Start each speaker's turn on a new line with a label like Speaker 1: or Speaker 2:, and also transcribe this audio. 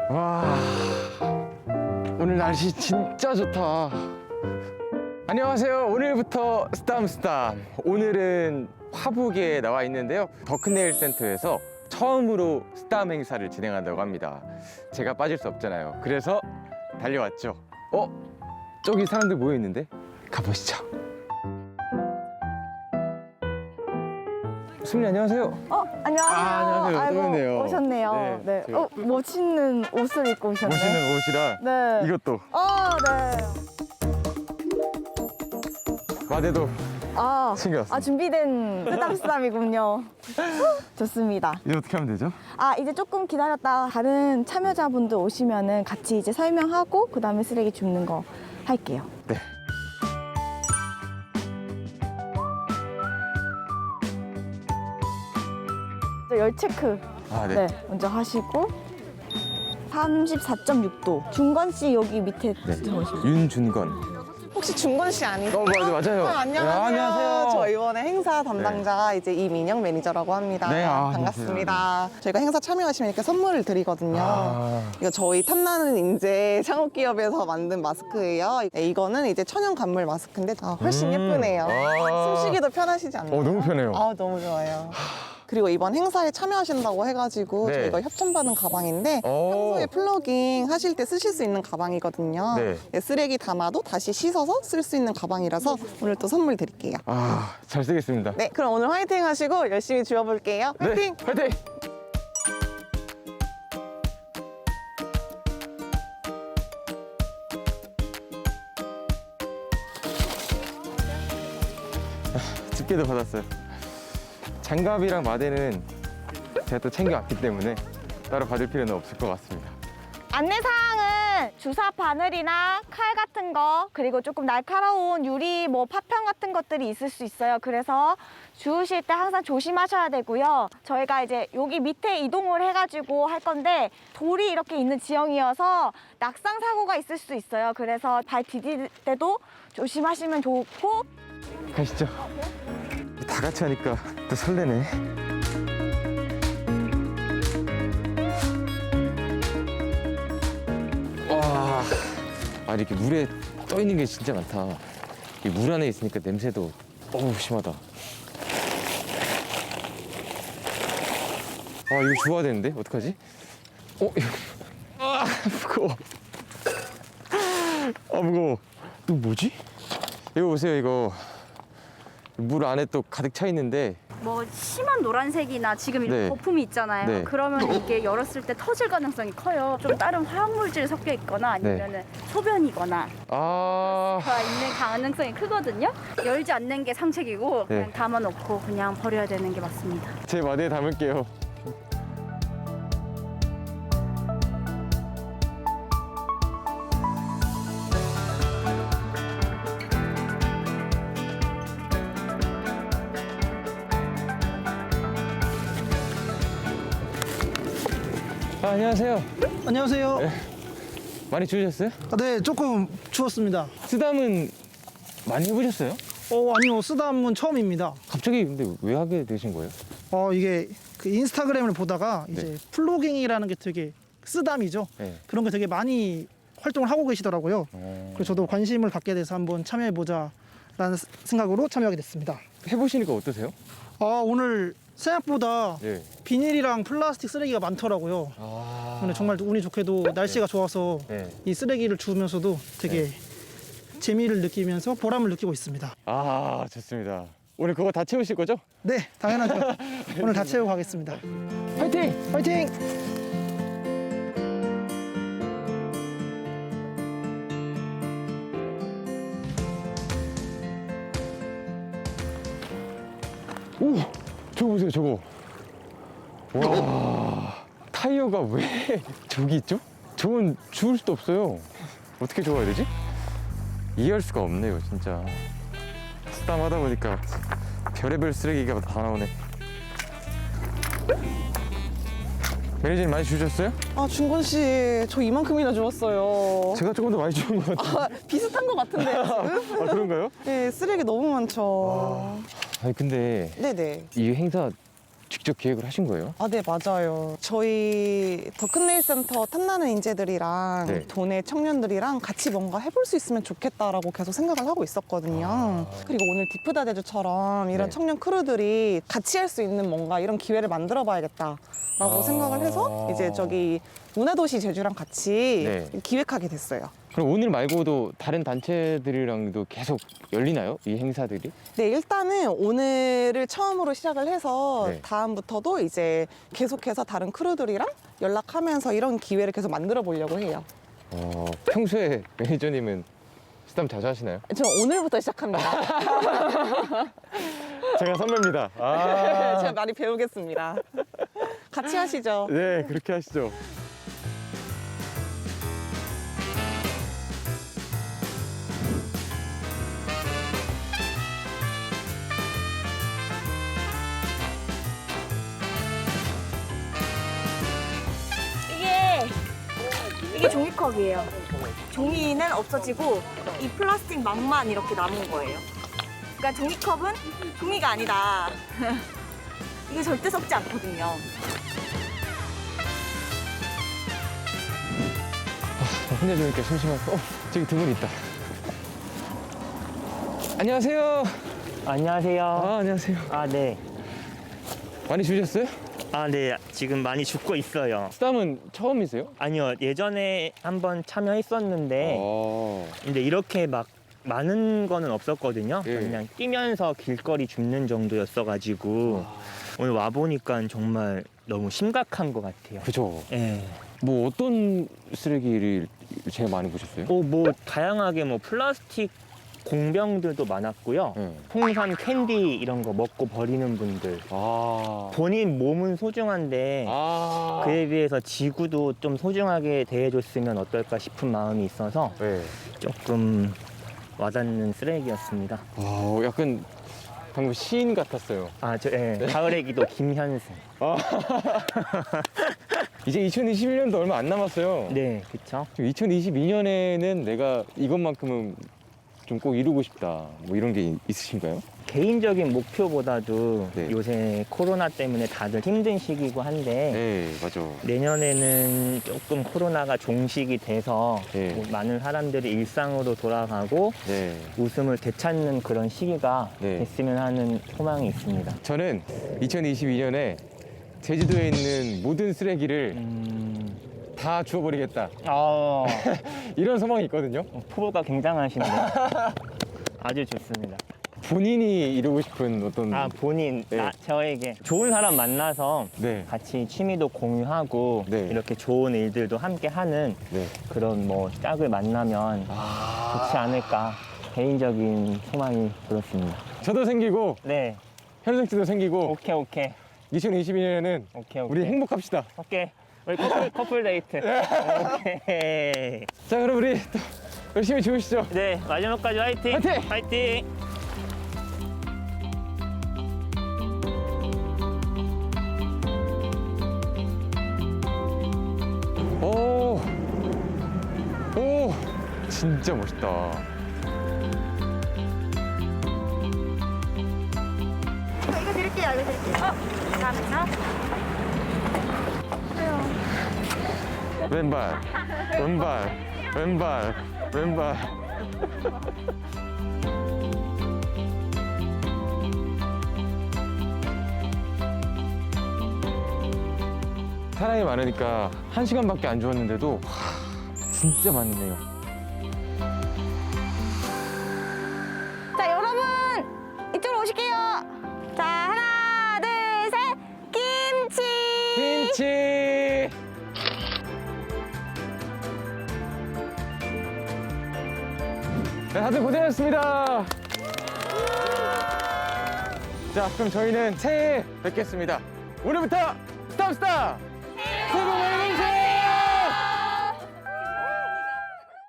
Speaker 1: 와, 오늘 날씨 진짜 좋다. 안녕하세요. 오늘부터 스담스담. 오늘은 화북에 나와 있는데요. 더큰네일 센터에서 처음으로 스담 행사를 진행한다고 합니다. 제가 빠질 수 없잖아요. 그래서 달려왔죠. 저기 사람들 모여 있는데 가보시죠. 수민이 안녕하세요.
Speaker 2: 안녕하세요.
Speaker 1: 안녕하세요.
Speaker 2: 아이고,
Speaker 1: 오셨네요.
Speaker 2: 오셨네요.
Speaker 1: 네,
Speaker 2: 네.
Speaker 1: 제가-
Speaker 2: 멋있는 옷을 입고 오셨네.
Speaker 1: 멋있는 옷이랑
Speaker 2: 네.
Speaker 1: 이것도
Speaker 2: 네.
Speaker 1: 마대도 챙겨왔습니다.
Speaker 2: 준비된 스담스담이군요. 좋습니다.
Speaker 1: 이제 어떻게 하면 되죠?
Speaker 2: 이제 조금 기다렸다가 다른 참여자분들 오시면은 같이 이제 설명하고 그 다음에 쓰레기 줍는 거 할게요.
Speaker 1: 네.
Speaker 2: 열 체크
Speaker 1: 네.
Speaker 2: 먼저 하시고 34.6도. 준건 씨 여기 밑에 들어오시면.
Speaker 1: 윤준건.
Speaker 3: 혹시 준건 씨 아니세요?
Speaker 1: 맞아요.
Speaker 3: 안녕하세요.
Speaker 1: 안녕하세요.
Speaker 3: 저 이번에 행사 담당자 이제 이민영 매니저라고 합니다.
Speaker 1: 네,
Speaker 3: 반갑습니다. 저희가 행사 참여하시면 이렇게 선물을 드리거든요. 이거 저희 탐나는 인재 창업기업에서 만든 마스크예요. 네, 이거는 이제 천연 감물 마스크인데 훨씬 예쁘네요. 숨쉬기도 편하시지 않나요?
Speaker 1: 너무 편해요.
Speaker 3: 너무 좋아요. 그리고 이번 행사에 참여하신다고 해가지고
Speaker 1: 네.
Speaker 3: 저희가 협찬받은 가방인데 평소에 플러깅 하실 때 쓰실 수 있는 가방이거든요.
Speaker 1: 네.
Speaker 3: 쓰레기 담아도 다시 씻어서 쓸 수 있는 가방이라서 오늘 또 선물 드릴게요.
Speaker 1: 잘 쓰겠습니다.
Speaker 3: 네, 그럼 오늘 화이팅 하시고 열심히 주워볼게요. 화이팅!
Speaker 1: 네, 화이팅! 집게도 받았어요. 장갑이랑 마대는 제가 또 챙겨왔기 때문에 따로 받을 필요는 없을 것 같습니다.
Speaker 2: 안내사항은 주사 바늘이나 칼 같은 거, 그리고 조금 날카로운 유리 파편 같은 것들이 있을 수 있어요. 그래서 주우실 때 항상 조심하셔야 되고요. 저희가 이제 여기 밑에 이동을 해가지고 할 건데 돌이 이렇게 있는 지형이어서 낙상 사고가 있을 수 있어요. 그래서 발 디딜 때도 조심하시면 좋고.
Speaker 1: 가시죠. 다 같이 하니까 또 설레네. 와, 이렇게 물에 떠 있는 게 진짜 많다. 이 물 안에 있으니까 냄새도 심하다. 이거 주워야 되는데 어떡하지? 이거 무거워. 무거워. 이거 뭐지? 이거 보세요, 이거. 물 안에 또 가득 차 있는데
Speaker 4: 심한 노란색이나 지금 이렇게
Speaker 1: 네.
Speaker 4: 거품이 있잖아요.
Speaker 1: 네.
Speaker 4: 그러면 이게 열었을 때 터질 가능성이 커요. 좀 다른 화학물질이 섞여 있거나 아니면 소변이거나 가 있는 가능성이 크거든요. 열지 않는 게 상책이고 그냥
Speaker 1: 네.
Speaker 4: 담아놓고 그냥 버려야 되는 게 맞습니다.
Speaker 1: 제 마대에 담을게요. 안녕하세요.
Speaker 5: 안녕하세요.
Speaker 1: 많이 추우셨어요?
Speaker 5: 네, 조금 추웠습니다.
Speaker 1: 쓰담은 많이 해보셨어요?
Speaker 5: 아니요, 쓰담은 처음입니다.
Speaker 1: 갑자기 근데 왜 하게 되신 거예요?
Speaker 5: 이게 그 인스타그램을 보다가 이제 플로깅이라는 게 되게 쓰담이죠.
Speaker 1: 네.
Speaker 5: 그런 게 되게 많이 활동을 하고 계시더라고요. 그래서 저도 관심을 갖게 돼서 한번 참여해보자라는 생각으로 참여하게 됐습니다.
Speaker 1: 해보시니까 어떠세요?
Speaker 5: 오늘 생각보다
Speaker 1: 네.
Speaker 5: 비닐이랑 플라스틱 쓰레기가 많더라고요. 근데 정말 운이 좋게도 날씨가 좋아서
Speaker 1: 네.
Speaker 5: 이 쓰레기를 주우면서도 되게 재미를 느끼면서 보람을 느끼고 있습니다.
Speaker 1: 좋습니다. 오늘 그거 다 채우실 거죠?
Speaker 5: 네, 당연하죠. 오늘 다 채우고 가겠습니다.
Speaker 1: 화이팅!
Speaker 5: 화이팅!
Speaker 1: 저거 보세요, 저거. 와, 타이어가 왜 저기 있죠? 저건 주울 수도 없어요. 어떻게 주워야 되지? 이해할 수가 없네요, 진짜. 쓰담 하다 보니까 별의별 쓰레기가 다 나오네. 매니저님 많이 주셨어요?
Speaker 3: 준건 씨, 저 이만큼이나 주웠어요.
Speaker 1: 제가 조금 더 많이 주운 것 같아요.
Speaker 3: 비슷한 것 같은데요, 지금?
Speaker 1: 그런가요?
Speaker 3: 네, 쓰레기 너무 많죠.
Speaker 1: 근데
Speaker 3: 네네.
Speaker 1: 이 행사 직접 기획을 하신 거예요?
Speaker 3: 아, 네, 맞아요. 저희 더큰네일센터 탐나는 인재들이랑
Speaker 1: 네.
Speaker 3: 도내 청년들이랑 같이 뭔가 해볼 수 있으면 좋겠다라고 계속 생각을 하고 있었거든요. 그리고 오늘 디프다 대주처럼 이런
Speaker 1: 네.
Speaker 3: 청년 크루들이 같이 할 수 있는 뭔가 이런 기회를 만들어 봐야겠다라고 생각을 해서 이제 저기 문화도시 제주랑 같이
Speaker 1: 네.
Speaker 3: 기획하게 됐어요.
Speaker 1: 그럼 오늘 말고도 다른 단체들이랑도 계속 열리나요? 이 행사들이?
Speaker 3: 네, 일단은 오늘을 처음으로 시작을 해서
Speaker 1: 네.
Speaker 3: 다음부터도 이제 계속해서 다른 크루들이랑 연락하면서 이런 기회를 계속 만들어 보려고 해요.
Speaker 1: 평소에 매니저님은 스담 자주 하시나요?
Speaker 3: 저는 오늘부터 시작합니다.
Speaker 1: 제가 선배입니다.
Speaker 3: 제가 많이 배우겠습니다. 같이 하시죠.
Speaker 1: 네, 그렇게 하시죠.
Speaker 2: 이게 종이컵이에요. 종이는 없어지고 이 플라스틱 망만 이렇게 남은 거예요. 그러니까 종이컵은 종이가 아니다. 이게 절대 썩지 않거든요.
Speaker 1: 혼내주니까 심심해서. 저기 두 분 있다. 안녕하세요.
Speaker 6: 안녕하세요.
Speaker 1: 안녕하세요.
Speaker 6: 아, 네.
Speaker 1: 많이 주셨어요?
Speaker 6: 아, 네. 지금 많이 죽고 있어요.
Speaker 1: 스담은 처음이세요?
Speaker 6: 아니요. 예전에 한번 참여했었는데, 근데 이렇게 막 많은 거는 없었거든요.
Speaker 1: 예.
Speaker 6: 그냥 뛰면서 길거리 줍는 정도였어가지고, 오늘 와보니까 정말 너무 심각한 것 같아요.
Speaker 1: 그죠.
Speaker 6: 예.
Speaker 1: 뭐 어떤 쓰레기를 제일 많이 보셨어요?
Speaker 6: 뭐 다양하게 뭐 플라스틱 공병들도 많았고요.
Speaker 1: 네.
Speaker 6: 홍삼 캔디 이런 거 먹고 버리는 분들. 본인 몸은 소중한데 그에 비해서 지구도 좀 소중하게 대해줬으면 어떨까 싶은 마음이 있어서
Speaker 1: 네.
Speaker 6: 조금 와닿는 쓰레기였습니다.
Speaker 1: 약간 방금 시인 같았어요.
Speaker 6: 예. 가을의 기도 김현승.
Speaker 1: 이제 2021년도 얼마 안 남았어요.
Speaker 6: 네, 그쵸.
Speaker 1: 2022년에는 내가 이것만큼은 좀 꼭 이루고 싶다. 뭐 이런 게 있으신가요?
Speaker 6: 개인적인 목표보다도
Speaker 1: 네.
Speaker 6: 요새 코로나 때문에 다들 힘든 시기고 한데
Speaker 1: 네, 맞아.
Speaker 6: 내년에는 조금 코로나가 종식이 돼서
Speaker 1: 네.
Speaker 6: 뭐 많은 사람들이 일상으로 돌아가고
Speaker 1: 네.
Speaker 6: 웃음을 되찾는 그런 시기가
Speaker 1: 네.
Speaker 6: 됐으면 하는 소망이 있습니다.
Speaker 1: 저는 2022년에 제주도에 있는 모든 쓰레기를 다 주워버리겠다. 이런 소망이 있거든요.
Speaker 6: 포부가 굉장하신데 아주 좋습니다.
Speaker 1: 본인이 이루고 싶은 어떤
Speaker 6: 본인,
Speaker 1: 네.
Speaker 6: 저에게 좋은 사람 만나서
Speaker 1: 네.
Speaker 6: 같이 취미도 공유하고
Speaker 1: 네.
Speaker 6: 이렇게 좋은 일들도 함께 하는
Speaker 1: 네.
Speaker 6: 그런 뭐 짝을 만나면 좋지 않을까 개인적인 소망이 들었습니다.
Speaker 1: 저도 생기고
Speaker 6: 네,
Speaker 1: 현승 씨도 생기고
Speaker 6: 오케이.
Speaker 1: 2022년에는
Speaker 6: 오케이.
Speaker 1: 우리 행복합시다.
Speaker 6: 오케이. 우리 커플 데이트. 오케이.
Speaker 1: 자, 그럼 우리 또 열심히 주우시죠.
Speaker 6: 네, 마지막까지 화이팅!
Speaker 1: 화이팅!
Speaker 6: 화이팅!
Speaker 1: 오, 진짜 멋있다.
Speaker 2: 이거 드릴게요. 감사합니다.
Speaker 1: 왼발. 사람이 많으니까 1시간밖에 안 주었는데도 진짜 많네요.
Speaker 2: 자, 여러분 이쪽으로 오실게요. 자, 하나, 둘, 셋. 김치.
Speaker 1: 네, 다들 고생하셨습니다. 자, 그럼 저희는 새해에 뵙겠습니다. 오늘부터 스탑스타!